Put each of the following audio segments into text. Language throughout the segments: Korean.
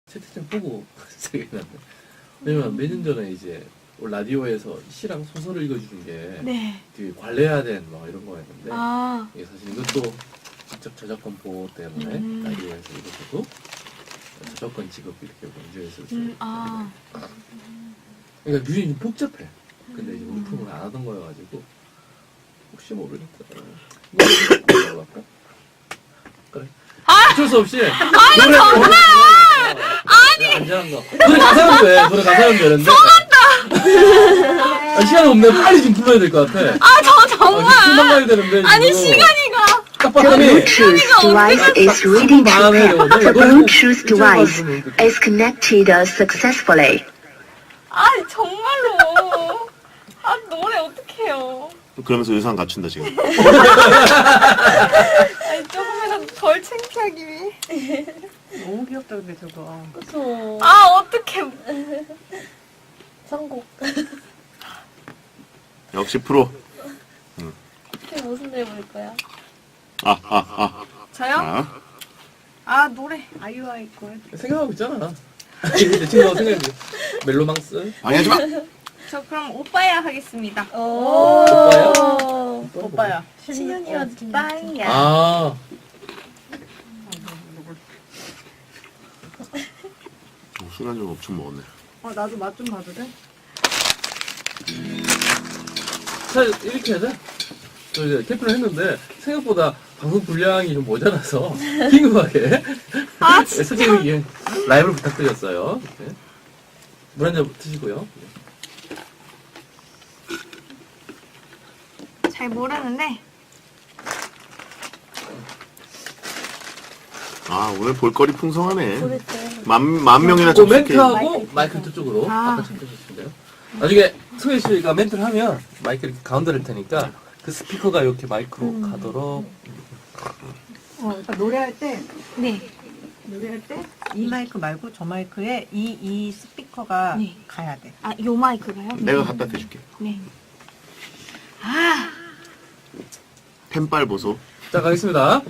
채팅창 보고 생각이 났네. 왜냐면 몇 년 전에 이제 라디오에서 시랑 소설을 읽어주는 게 네. 되게 관리해야 되는 막 이런 거였는데 아. 이게 사실 이것도 직접 저작권 보호 때문에 라디오에서 이것도 저작권 지급 이렇게 문제였었어요. 아. 그러니까 규정이 좀 복잡해. 근데 이제 우리 프로그램을 안 하던 거여가지고 혹시 모르겠다. 이거 할까? 그래. 어쩔 수 없이. 아니 정말. 아니. 안전한 거. 노래 가사는 돼. 노래 가사는 되는데. 속았다. 시간 없네. 빨리 좀 불러야 될 것 같아. 아, 저 정말. 금방 가야 되는데. 아니, 시간이가. 딱 The 봤더니. Bluetooth device is ready to pair. The Bluetooth device is connected successfully. 아니, 정말로. 아, 노래 어떡해요. 그러면서 의상 갖춘다 지금. 아니, 조금이라도 덜 창피하기 위해. 너무 귀엽다 근데 저거. 그쵸. 아, 어떡해. 선곡. 역시 프로. 그게 무슨 노래 부를 거야? 저요? 자, 아, 노래. 아이유아이 거. 생각하고 있잖아. 지금 생각해. 멜로망스. 방해하지 마. 저 그럼 오빠야 하겠습니다. 오빠요? 오빠야. 신현이와 오빠야. 아. 시간 좀 엄청 먹었네. 나도 맛 좀 봐도 돼? 사실 이렇게 해야 돼? 저 이제 캠프를 했는데 생각보다 방송 분량이 좀 모자라서 긴급하게 솔직히 이게 라이브를 부탁드렸어요. 네. 물 한 잔 드시고요. 잘 모르는데. 아 오늘 볼거리 풍성하네. 부를 때. 만 명이나 그 접속해. 멘트하고 마이크 저쪽으로 아. 아까 참여하시면 돼요. 나중에 소혜 씨가 멘트를 하면 마이크 이렇게 가운데를 테니까 그 스피커가 이렇게 마이크로 가도록. 그러니까 노래할 때 네. 이 마이크 말고 저 마이크에 이 스피커가 네. 가야 돼. 아, 요 마이크가요? 내가 갖다 대줄게. 네. 펜빨 보소. 자 가겠습니다.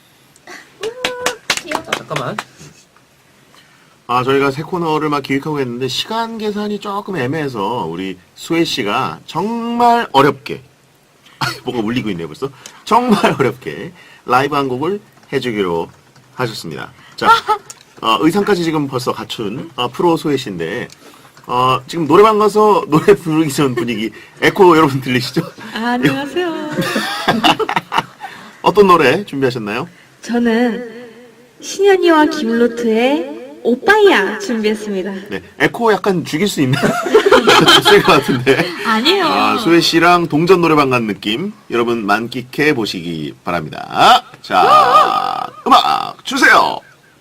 귀여워. 자, 잠깐만. 저희가 새 코너를 막 기획하고 했는데 시간 계산이 조금 애매해서 우리 수혜 씨가 정말 어렵게 뭔가 울리고 있네요 벌써. 정말 어렵게 라이브 한 곡을 해주기로 하셨습니다. 자, 의상까지 지금 벌써 갖춘 프로 수혜 씨인데 지금 노래방 가서 노래 부르기 전 분위기 에코 여러분 들리시죠? 안녕하세요. 어떤 노래 준비하셨나요? 저는 신현이와 김루트의 오빠야 준비했습니다. 네, 에코 약간 죽일 수 있나? 없을 것 같은데. 아니에요. 수혜 씨랑 동전 노래방 간 느낌 여러분 만끽해 보시기 바랍니다. 자, 음악 주세요.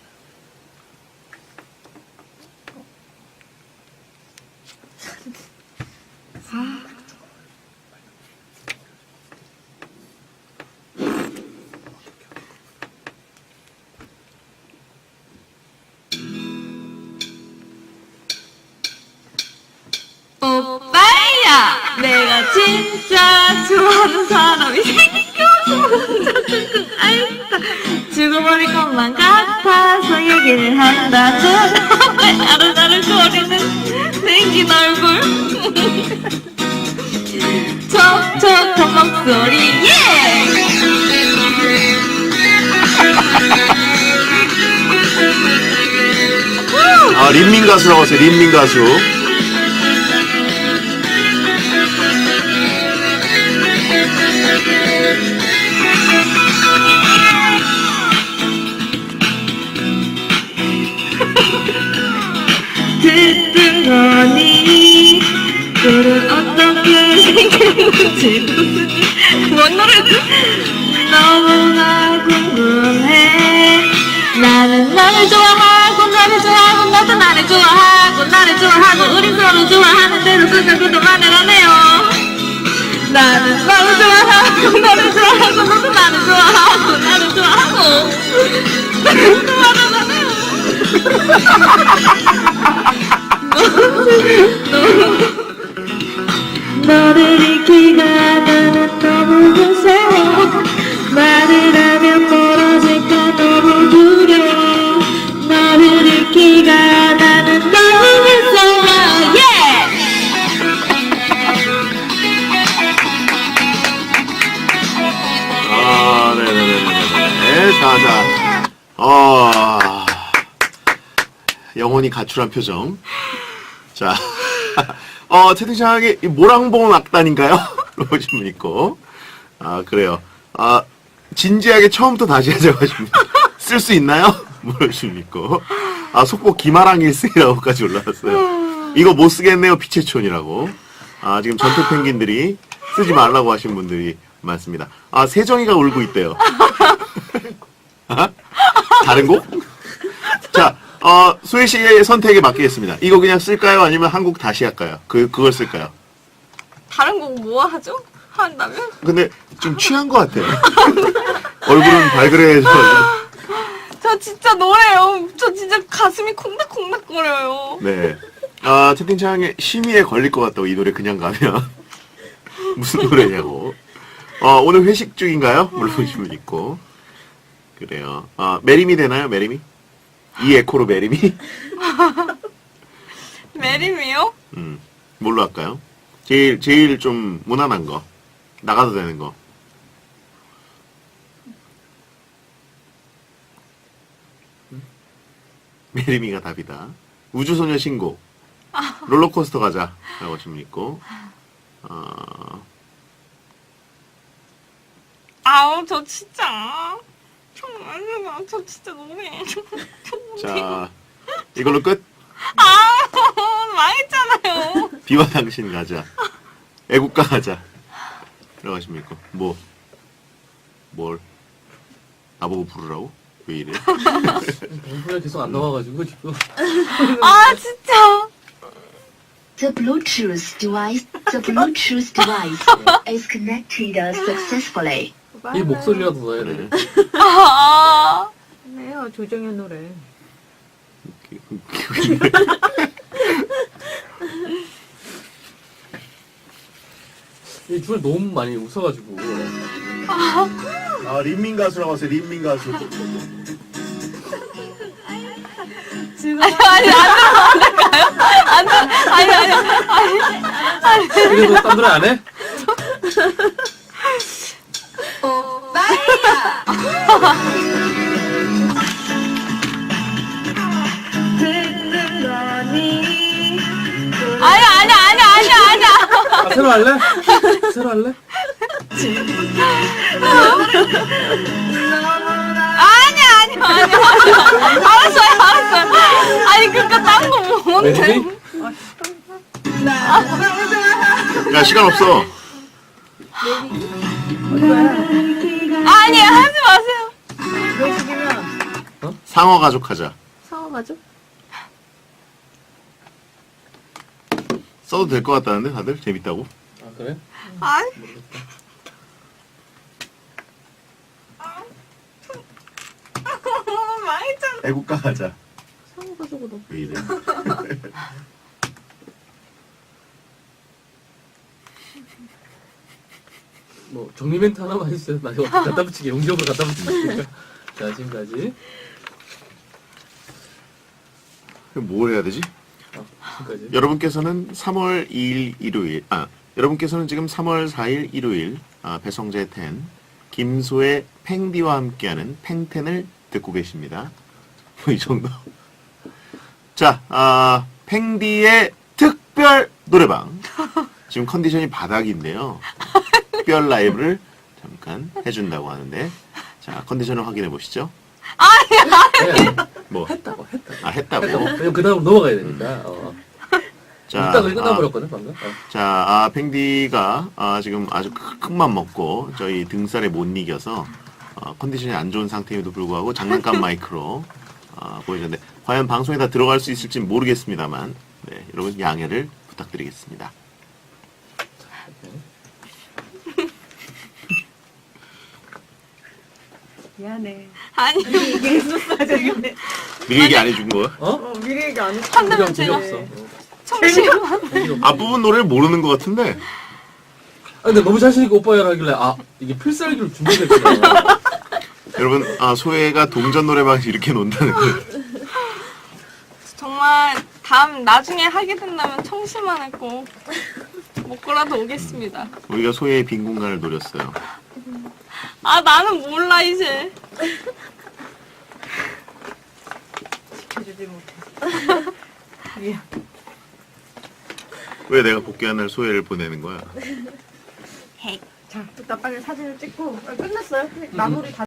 오빠야, 내가 진짜 좋아하는 사람이 생겨서 알다. 죽어버릴 것만 같아서 얘기를 한다. 정말 아른아른거리는 생긴 얼굴, 촉촉한 목소리, 예! 린민 가수라고 하세요. 린민 가수. 듣던 거니 너는 어떻게 생겼는지도 뭔 노래지? 너무나 궁금해. 나는 너를 좋아하고 너를 좋아하고 너도 나를 좋아하고 나를 좋아하고 우린 서로 좋아하는 대로 끝나고도 말을 안 해요. 나는 너를 좋아하고 너를 좋아하고 너도 나를 좋아하고 나를 좋아하고 그래도 말을 안 해요. 너를 잃기가 나는 너무 무서워. 말을 하면 멀어질까 너무 두려워. 너를 잃기가 영혼이 가출한 표정. 자, 채팅창에 모랑봉 악단인가요? 물어보신 분 있고. 그래요. 진지하게 처음부터 다시 하자고 하십니다. 쓸 수 있나요? 물어보신 분 있고. 속보 기마랑 1승이라고까지 올라왔어요. 이거 못 쓰겠네요, 피체촌이라고. 지금 전투 펭귄들이 쓰지 말라고 하신 분들이 많습니다. 세정이가 울고 있대요. 다른 곡? 자, 소혜 씨의 선택에 맡기겠습니다. 이거 그냥 쓸까요? 아니면 한국 다시 할까요? 그걸 쓸까요? 다른 곡 뭐 하죠? 한다면? 근데 좀 취한 것 같아요. 얼굴은 발그레해서. 저 진짜 노래요. 저 진짜 가슴이 콩닥콩닥거려요. 네. 채팅창에 심의에 걸릴 것 같다고 이 노래 그냥 가면. 무슨 노래냐고. 오늘 회식 중인가요? 물어보신 분 있고. 그래요. 메리미 되나요? 메리미? 이 에코로 메리미? 메리미요? 뭘로 할까요? 제일 좀 무난한 거. 나가도 되는 거. 메리미가 답이다. 우주소녀 신곡. 롤러코스터 가자. 라고 하시면 있고. 아우, 저 진짜. 저 진짜 노래. 자, 이걸로 끝. 망했잖아요. 비와 당신 가자. 애국가 가자. 라고 하시면 있고. 뭘? 나보고 부르라고? 왜 이래? 방송에 계속 안 나와가지고 지금. 진짜. The Bluetooth device is connected successfully. 이 목소리라도 넣어야 돼. 네요, 조정현 노래. 이 주에 너무 많이 웃어가지고. 린민 가수라고 하세요. 린민 가수. 그래도 딴 노래 안 해? 새로 할래? 새로 할래? 알았어요. 아니, 그니까 딴 거 뭔데? 메리미? 야, 시간 없어. 아니, 하지 마세요. 상어 가족 하자. 상어가죠? 써도 될 것 같다는데 다들 재밌다고. 그래? 아니. 망했잖아. 애국가 하자. 상어가지고도. 왜 이래? 뭐 정리 멘트 하나만 해주세요. 나 이거 갖다 붙이게 용기적으로 갖다 붙이니까. 자, 지금까지. 뭘 해야 되지? 지금까지. 여러분께서는 3월 2일 일요일, 여러분께서는 지금 3월 4일 일요일, 배성재 10, 김소의 팽디와 함께하는 팽텐을 듣고 계십니다. 이 정도. 자, 팽디의 특별 노래방. 지금 컨디션이 바닥인데요. 특별 라이브를 잠깐 해준다고 하는데, 자, 컨디션을 확인해 보시죠. 네, 뭐, 했다고. 했다고. 왜냐면 그 다음 넘어가야 되니까. 자, 일단 끝나버렸거든, 방금. 자, 팽디가 지금 아주 큰 맘 먹고 저희 등살에 못 이겨서 컨디션이 안 좋은 상태임에도 불구하고 장난감 마이크로 보여줬는데 과연 방송에 다 들어갈 수 있을지 모르겠습니다만 네, 여러분 양해를 부탁드리겠습니다. 미안해. 아니, 이게 있었어, 저기. 미리 얘기 안 해준 거야? 미리 얘기 안 했어. 한다면 재미 제가 없어. 청심. 앞부분 노래를 모르는 것 같은데 근데 너무 자신있게 오빠야 하길래, 이게 필살기로 준비됐구나. 여러분 소혜가 동전 노래방에서 이렇게 논다는 거예요. 정말 나중에 하게 된다면 청심만 했고 먹고라도 오겠습니다. 우리가 소혜의 빈 공간을 노렸어요. 나는 몰라 이제. 보내주지 못해. 미안. 왜 내가 복귀한 날 소혜를 보내는 거야? 자, 일단 빨리 사진을 찍고 끝났어요. 마무리 다.